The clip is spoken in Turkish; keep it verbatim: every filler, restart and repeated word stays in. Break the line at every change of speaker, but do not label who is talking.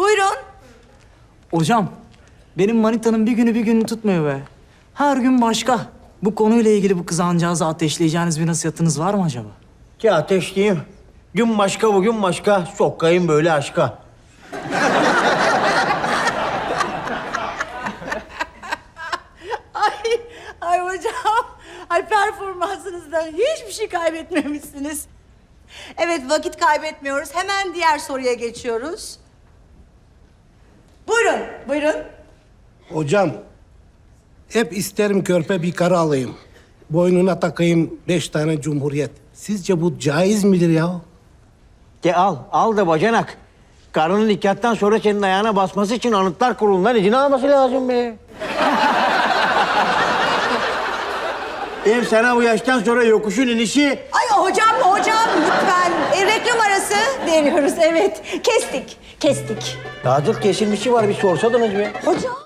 Buyurun.
Hocam, benim manitanın bir günü bir günü tutmuyor be. Her gün başka. Bu konuyla ilgili bu kızancağızı ateşleyeceğiniz bir nasihatınız var mı acaba?
Ki ateşleyeyim. Gün başka bugün başka. Sokayım böyle aşka.
Ay, ay hocam. Ay performansınızdan hiçbir şey kaybetmemişsiniz. Evet, vakit kaybetmiyoruz. Hemen diğer soruya geçiyoruz. Buyurun, buyurun.
Hocam, hep isterim körpe bir karı alayım. Boynuna takayım beş tane cumhuriyet. Sizce bu caiz midir ya?
Ki al, al da bacanak. Karının nikahtan sonra senin ayağına basması için Anıtlar Kurulu'ndan izin alması lazım be. Hem sana bu yaştan sonra yokuşun inişi...
Ay hocam, hocam lütfen. E, reklam arası veriyoruz, evet. Kestik, kestik.
Daha dur kesilmişi var, bir sorsadınız be.
Hocam.